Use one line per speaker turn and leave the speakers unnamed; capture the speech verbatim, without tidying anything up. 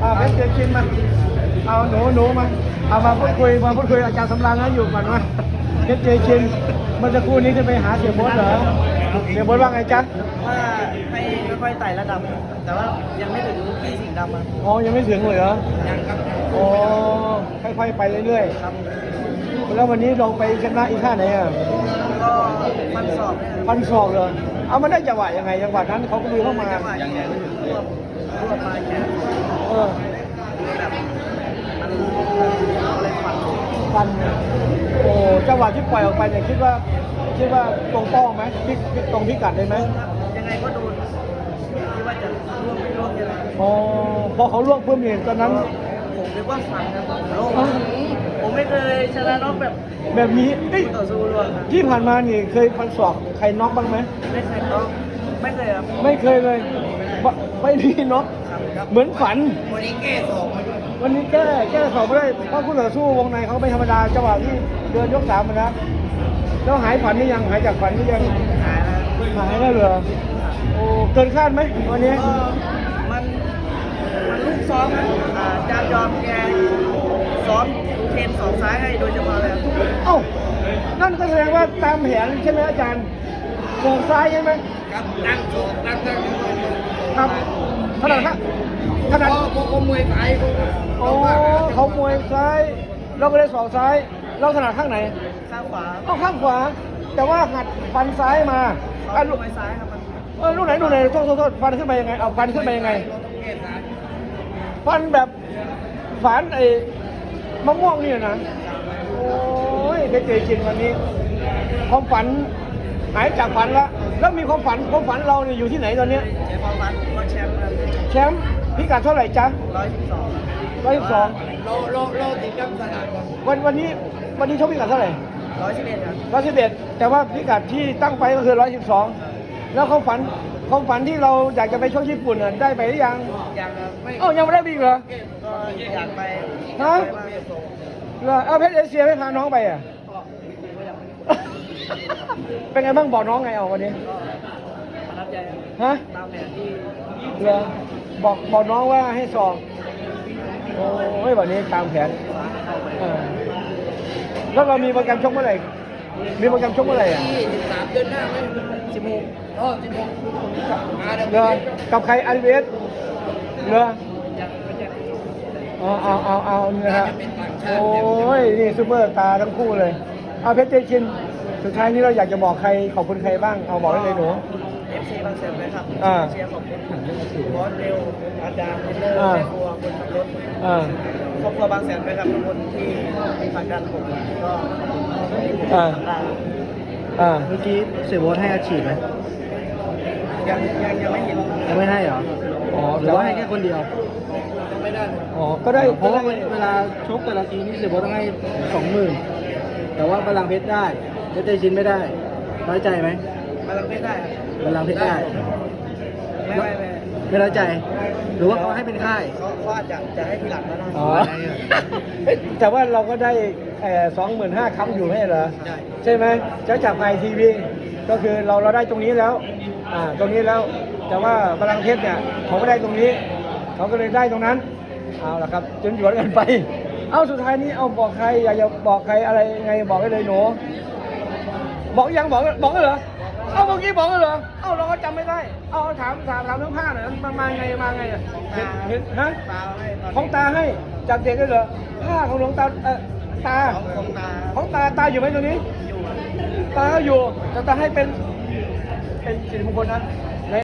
อ่าเพชรเจชินมาเอาหนูหนูมาเอามาพูดคุยมาพูดคุยอาจารย์สำราญนะอยู่ก่อนว่าเพชรเจชินเมื่อสักครู่นี้จะไปหาเสียโบ๊ทเหรอเสียโบ๊ทว่าไงจ๊ะ
ว่าให้ค่อยๆไต่ระดับ แต่ว่ายังไม่ถึงพี่สิงห์ดำอ่ะ
อ๋อยังไม่ถึงเลยเหรอ
ยังครับ
อ๋อค่อยๆไปเรื่อย
ๆครับ
แล้ววันนี้ลองไปชนะอีกท่าไหนอ่ะ
ก็พันสอบ
พันศอกเลยเอามาได้จังหวะยังไงจังหวะนั้นเขาก็มีเข้ามา
จังหวะยังไงรวบรวบมาแค่
เออ
แบบมันอะไรฟัน
ฟันโอ้จังหวะที่ปล่อยออกไปเนี่ยคิดว่าคิดว่าตรงเป้าไหมพิกตรงพิกัดได้ไหม
ยังไงก็โดนคิดว่าจะร่วงไม่ร่วงยังไง
อ๋อพอเขาล่วงเพิ่มเนี่ยตอนนั้น
ผมนึกว่าฟันนะผมโล่งผมไม่เคยชนะน็อกแบบ
แบบนี้
ต่อสู้ร่วง
ที่ผ่านมานี่เคยฟันศอกใครน็อกบ้างไหม
ไม่เคยน็อกไม่เคยครับ
ไม่เคยเลยไม่มีน็อกเหมือนฝัน
วันนี้แก้สอง
วันนี้แก้แก้สอบไม่ได้เพราะผู้ต่อสู้วงในเขาไม่ธรรมดาจังหวะที่เดินยกสามนะแล้วหายฝันนี่ยังหายจากฝันนี่ยัง
หายแล้ว
หายแล้วเหรอโอ้เกินคาดไหมวันนี้
มันมันลูกซ้อมนะอาจารย์ยอมแกซ้อมเทนสองซ้ายให้โดยเฉพาะเลย
เอ้านั่นก็แสดงว่าตามแผนใช่ไหมอาจารย์สองซ้ายใช่ไหม
ครับนั่งโชว์นั่งนั่ง
ครับขนาดนั้นขนาด
เขามวยซ้าย
โอ้เขามวยซ้ายเราก็เลยสองซ้ายเราถนัดข้างไหน
ข้างขวา
เอาข้างขวาแต่ว่าหัดฟันซ้ายมา
อ่ะลูกมวยซ้ายครับ
เออลูกไหนลูกไหนโทษโทษโทษฟันขึ้นไปยังไงเอาฟันขึ้นไปยังไงฟันแบบฝันไอ้มะม่วงนี่นะโอ้ยได้เจอจริงวันนี้ความฝันหายจากฝันแล้วแล้วมีความฝันความฝันเราเนี่ยอยู่ที่ไหนตอนนี้
เจ้าความฝันก็แชมป์
แชมป์พิกัดเท่าไหร่จ๊ะ
ร้อยสิบสอง
ร้อยสิบสอง
โลโลโลติดกับสนาม
วันวันนี้วันนี้ชกพิกัดเท่าไหร่
ร้อยสิบเอ็ดครับ
ร้อยสิบเอ็ดแต่ว่าพิกัดที่ตั้งไปก็คือร้อยสิบสองแล้วความฝันความฝันที่เราอยากจะไปชกญี่ปุ่นน่ะได้ไปหรือยัง
ยังไม่
เอ้ายังไม่ได้บีเหรอ
ก็อยากไป
ฮะเหรอเอาเพชรเอเชียไม่พาน้องไปอ่ะเป็นไงบ้างบอกน้องไงเอาวันนี้
ประทับใจ
ฮะ
ตามแผนที่
เหรอบอกบอกน้องว่าให้สอบโอ้ยวันนี้ตามแผนแล้วเรามีโปรแกรมชกเมื่อไหร่มีโปรแกรมชกเมื่อไหร่อ่ะ
ที่สิบสามเดือนหน้าไหมสิบหกอ๋อสิบหก
เหรอกับใครอาร์เวสเหรอเอาเอาเอาเอาเนี่ยฮะโอ้ยนี่ซูเปอร์ตาทั้งคู่เลยเอาเพชรเจชินสุดท้ายนี้เราอยากจะบอกใครขอบคุณใครบ้างเอาบอกได้เลยหนู
เอฟซีบางแสนนะครับเชียร์ขอบคุณบอสเร็วอาจารย์เทนเนอร์แม่ครัวคนขับรถครอบครัวบางแสนนะครับทุกคนที่มีผลักดันผมก็
อ่าอ่า
เมื่อกี้เสียโบ๊ทให้อาชีพไหม
ยังยังยังไม่เห็น
ยังไม่ให้เหรออ๋อหรือว่าให้แค่คนเดียว
ไม่ได้
อ๋อก็ได้
เพราะว่าเวลาชกแต่ละทีนี่เสียโบ๊ทต้องให้สองหมื่นแต่ว่าพลังเพชรได้เพชรเจชินไม่ได้น้อยใจไหม
พลังเพชรได้
พลังเพชรได้
ไม่ไม่ไม่
ไม่น้อยใจหรือว่าเขาให้เป็นค่าย
เขาเขาอาจจะจะให้ทีหลังก็ได้
อ๋อแต่ว่าเราก็ได้สองหมื่นห้าคำอยู่ให้เหรอใช่ใช่ไหมจะจากไอทีวีก็คือเราเราได้ตรงนี้แล้วอ่าตรงนี้แล้วแต่ว่าพลังเพชรเนี่ยเขาไม่ได้ตรงนี้เขาก็เลยได้ตรงนั้นเอาละครับจนหยวนกันไปเอาสุดท้ายนี้เอาบอกใครอยากจะบอกใครอะไรไงบอกได้เลยหนูบอกยังบอกบอกเหรอเอาเมื่อกี้บอกเหรอเอาเราก็จำไม่ได้เอาถามถามถามเรื่องผ้าหน่อยมันมาไงมาไงอ่ะเห็นฮะของตาให้จากเด็กได้เหรอผ้าของหลวงตาเออตาของตาตาอยู่ไหมตัวนี้ตาอยู่แต่ตาให้เป็นเป็นสิริมงคลนะ